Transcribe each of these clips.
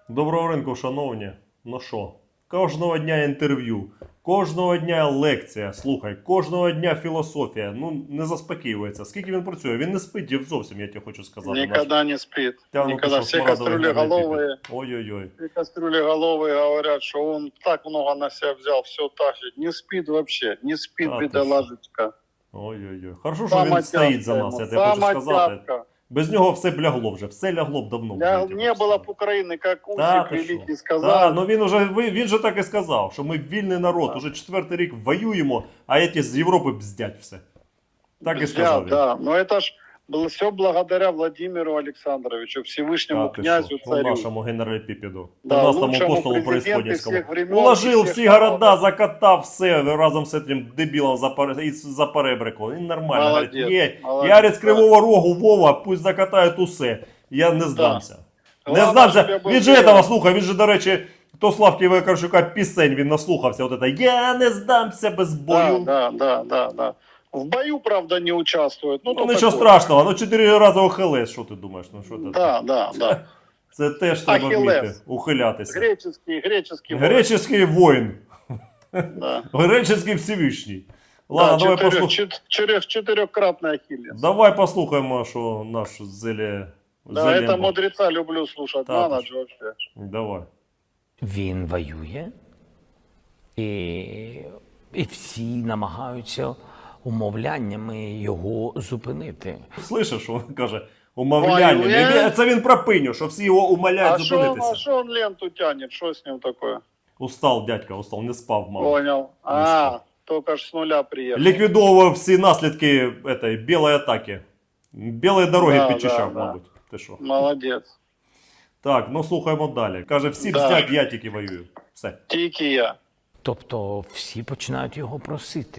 Доброго ранку, шановні. Ну що, кожного дня інтерв'ю, кожного дня лекція, слухай, кожного дня філософія. Ну, не заспокоюється. Скільки він працює? Він не спить зовсім, я тебе хочу сказати. Никогда не спит. Та, ну, Никогда. ти що, Все смарагдовий кастрюлеголовые, Ой-ой-ой. все кастрюлеголовые говорят, что он так много на себя взял, все тащит. Не спит вообще, не спит, А, бедолагочка. Ой-ой-ой. Хорошо, що він стоїть за нас, я тебе хочу сказати. Без нього все б лягло вже, все лягло б давно. Не было б Украины, как Усик великий сказал. Так, ну він же так і сказав, що ми вільний народ, уже 4-й рік воюємо, а ці з Європи бздять все. Так і сказав він. Да, но это ж было все благодаря Владимиру Александровичу, Всевышнему князю, царю. Нашому генералі Піпіду. Да, Нашому лучшему апостолу президенту Преисподненському. всех времен, Уложив всех всі города, закатав все разом з цим дебілом за перебриком. Він нормально. Молодець, говорить, молодець, я з Кривого Рогу, Вова, пусть закатають усе. Я не здамся. Да. Не здамся. Він же этого слухав, він же, до речі, то Славки Вакарчука пісень він наслухався. От это, я не здамся без бою. Да. В бою, правда, не участвует. Ну нічого страшного, ну 4 рази охилес, що ти думаєш? Ну, що це? Да. Це теж треба вміти, ухилятися. Греческий воїн. Да. Греческий Всевишній. Ладно, давай послухаємо. Чотирьохкратний Ахіллес. Давай послухаємо, що наш Да, это мудреца люблю слушать. Да, На ночь вообще. Давай. Він воює, і всі намагаються умовляннями його зупинити. Слышиш, що він каже? Умовляння. Це він про пиню, що всі його умоляють зупинитися. А що він ленту тянет? Що з ним таке? Устал, дядька, устал, не спав, мало. Понял. Только ж с нуля приехал. Ліквідовував всі наслідки білої атаки. Білої дороги підчищав, мабуть. Ти що? Молодець. Так, ну слухаємо далі. Каже, всі бздять, я тільки воюю. Все. Тільки я. Тобто всі починають його просити.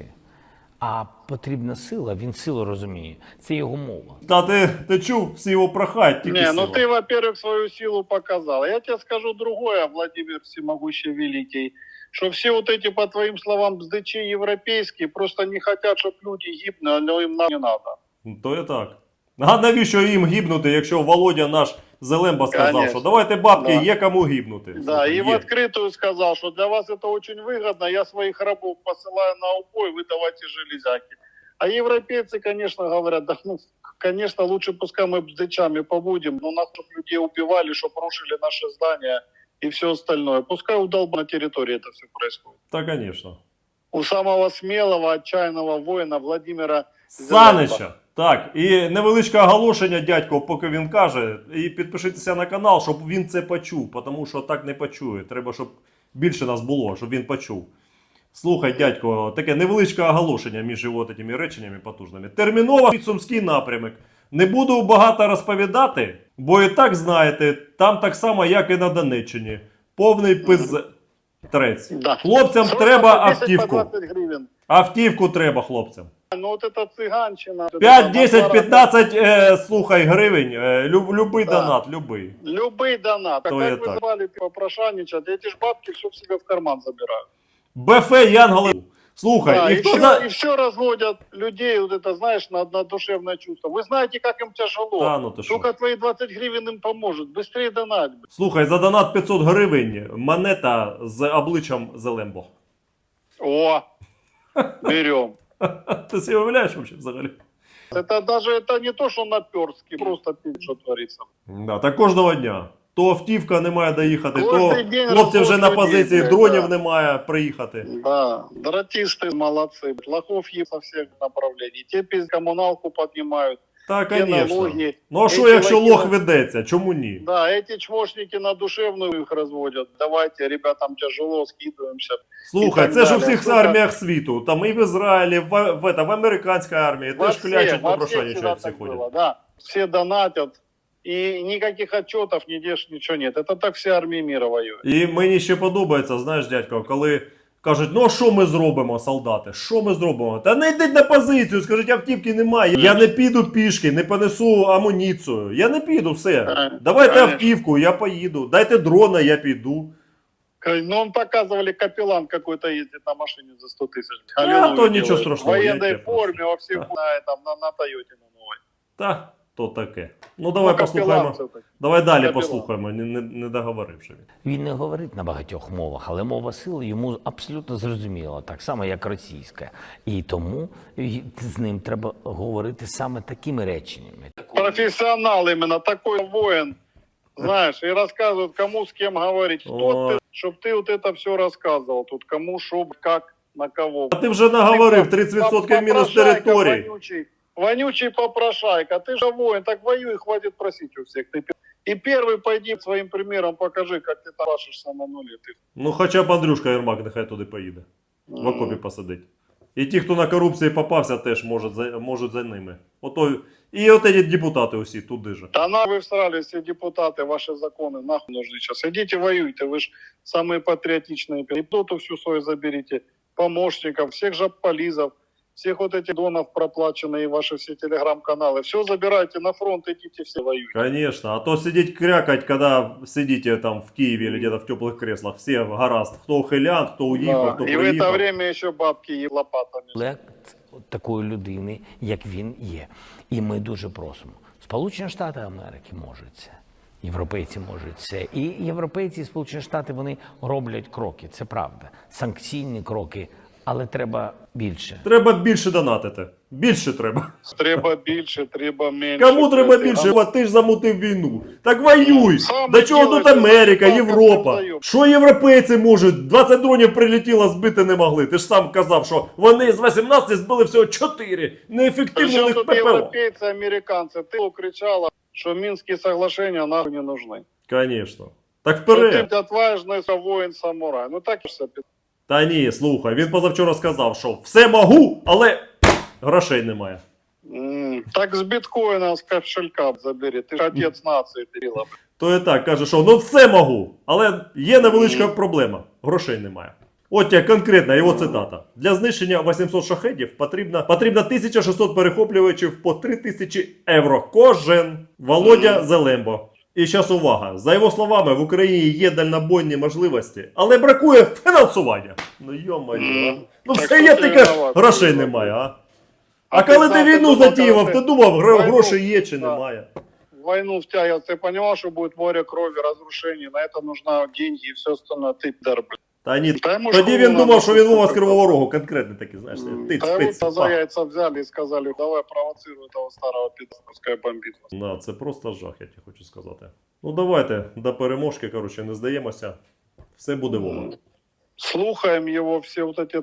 А потрібна сила, він силу розуміє. Це його мова. Та ти чув, всі його прохають, тільки Не, сила. ну ты, во-первых, свою силу показал. Я тебе скажу другое, Владимир Всемогущий Великий, что все вот эти, по твоим словам, бздычи европейские просто не хотят, чтобы люди гибли, но им не надо. То і так. А навіщо їм гибнути, якщо Володя наш Зелемба сказав, Конечно. що давайте бабки, Да. є кому гибнути. Да, Слухай, и в открытую сказал, что для вас это очень выгодно, я своих рабов посылаю на убой, вы давайте железяки. А европейцы, конечно, говорят, да, ну, конечно, лучше пускай мы бздычами побудем, но нас чтоб людей убивали, чтобы рушили наши здания и все остальное. Пускай удолба на территории это все происходит. Та, звісно. У самого смелого, отчаянного воина Владимира Санича. Так, і невеличке оголошення, дядько, поки він каже. І підпишіться на канал, щоб він це почув, тому що так не почує. Треба, щоб більше нас було, щоб він почув. Слухай, дядько, таке невеличке оголошення між його такими реченнями потужними. Терміново Сумський напрямок. Не буду багато розповідати, бо і так знаєте, там так само, як і на Донеччині. Повний пиздець. Да. Хлопцям Срочно треба по 10, автівку. по 20 гривен. Автівку треба хлопцям. Ну вот это цыганщина. 5, 10, 15, слухай, гривень. Любий Да. донат, любий. Любый донат. То Как я вы так. звали попрошайничать, эти ж бабки все в себе в карман забирают. БФ Янголи. Слухай, Да, і и, хто все, за... и все разводят людей, вот это, знаешь, на душевное чувство. Вы знаете, как им тяжело. Та, ну ти що? Только твои 20 гривен им поможет. Быстрее донать. Слухай, за донат 500 гривень монета з обличчям Зелембо. О, берем. Ти себе уявляєш взагалі? Это даже это не то, что наперстки, просто пить, что творится. Да, так кожного дня. То автівка не має доїхати, Кожний то день хлопці вже на роботи позиції, є, дронів да. немає приїхати. Да, дратисты молодцы. Лохов есть со всех направлений. Те коммуналку поднимают. Так, Те звісно. налоги. Ну а що, Эти якщо лохи- лох ведеться? Чому ні? Да, эти чмошники на душевную их разводят. Давайте, ребятам тяжело, скидываемся. Слухай, І так це ж у далі. всіх Слухай, арміях світу. Там і в Ізраїлі, в американській армії. Теж клячуть, во попрошайничають, всегда всі так ходять. было, да. Все донатят. И никаких отчетов, нигде ничего нет. Это так все армии мира воюют. І мені ще подобається, знаєш, дядько, коли кажуть, ну а що ми зробимо, солдати? Що ми зробимо? Та не йдіть на позицію, скажіть, автівки немає. Я не піду пішки, не понесу амуніцію. Я не піду, все. Давайте Конечно. автівку, я поїду. Дайте дрона, я піду. Ну, он показывали, капеллан какой-то ездит на машине за 100 тысяч. А, то ничего страшного, В я военной тебя прошу. форме, во всех, Да. на Тойоте на новой. Та, То таке. Ну давай Ну, послухаємо. капелан це так. Давай далі Капелан. послухаємо, не договоривши він. Він не говорить на багатьох мовах, але мова сили йому абсолютно зрозуміла, так само як російська. І тому з ним треба говорити саме такими реченнями. Профессионал именно, такой воин, знаешь, и рассказывают, кому с кем говорить. Кто О. ты, чтобы ты вот это все рассказывал тут, кому, шо, как, на кого. А ти вже наговорив 30% мінус території. Вонючий попрошайка, ты же воин, так воюй, хватит просить у всех. И первый пойди своим примером покажи, как ты там пашешься на нуле. Ты. Ну хоча б Андрюшка Єрмак нехай туди поїде. В окопі посадить. І ті, хто на корупції попався, теж можуть за ними. І от ці депутати усі туди же. Да на вы всрали все депутаты, ваши законы, нахуй нужны сейчас. Идите воюйте, вы же самые патриотичные. И доту всю свою заберите, помощников, всех жабполизов, всех вот этих донов проплаченные, и ваши все телеграм-каналы. Все забирайте на фронт, идите все воюйте. Конечно. А то сидеть крякать, когда сидите там в Киеве или где-то в теплых креслах. Все гаразд. Кто ухилян, кто уїхав, хто И в это приїхав. время еще бабки и лопатами. Лект такої людини, як він є. І ми дуже просимо. Сполучені Штати Америки можуть це. Європейці можуть це. І європейці і Сполучені Штати, вони роблять кроки, це правда. Санкційні кроки, але треба більше. Треба більше донатити. Більше треба. Треба більше, треба менше. Кому треба більше? От ти ж замутив війну. Так воюй! Сам До чого делай, тут Америка, сам Європа? создаєш. Що європейці можуть? 20 дронів прилетіло, збити не могли. Ти ж сам казав, що вони з 18 збили всього 4. Неефективно у Причем них тут ППО. европейцы, американцы? Ты кричала, что Минские соглашения нахуй не нужны. Конечно. Так Что вперед. ты отважный воин-самурай. Ну так и все. Та ні, слухай, він позавчора сказав, що все можу, але грошей немає. Так с биткоина, с кошелька забери. Ты же отец нации, Кирилла. То і так, каже, що ну все можу, але є невеличка проблема. Грошей немає. От як конкретна його цитата. Для знищення 800 шахедів потрібно 1600 перехоплювачів по 3000 євро кожен. Володя Зелембо. І зараз увага. За його словами, в Україні є дальнобойні можливості, але бракує фінансування. Ну йо-моє. Ну Так все хто є, ти тільки винуватий? грошей немає, а? А ти коли знав, ти війну думав, затіював, коли ти ти думав, війну- гроші є чи Да. немає? Войну втягивал, ты понимал, что будет море крови, разрушений, на это нужны деньги и все остальное. Ты дар, блин. Та ні, Та йому тоді школу він думав, надо що він Вова з слухати. Кривого Рогу, конкретний такий, знаєш, тиць, Да пиць, вот за пах. яйца взяли и сказали, давай провоцируй этого старого пидора, пускай бомбит вас. Да, це просто жах, я тебе хочу сказати. Ну давайте до переможки, коротше, не здаємося. Все буде Вова. Слухаем его, все вот эти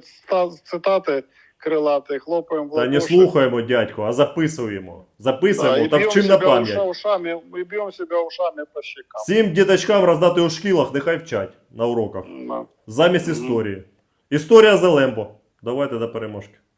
цитаты крылатые, хлопаем в Та не ладоши. слухаємо, дядько, а записуємо. Да, Записуємо и та бьем вчимо на себя пам'ять. ушами, и бьем себя ушами по щекам. Всім діточкам роздати у шкілах, нехай вчать на уроках. Да. Замість історії. Історія Зелембо. Давайте до переможки.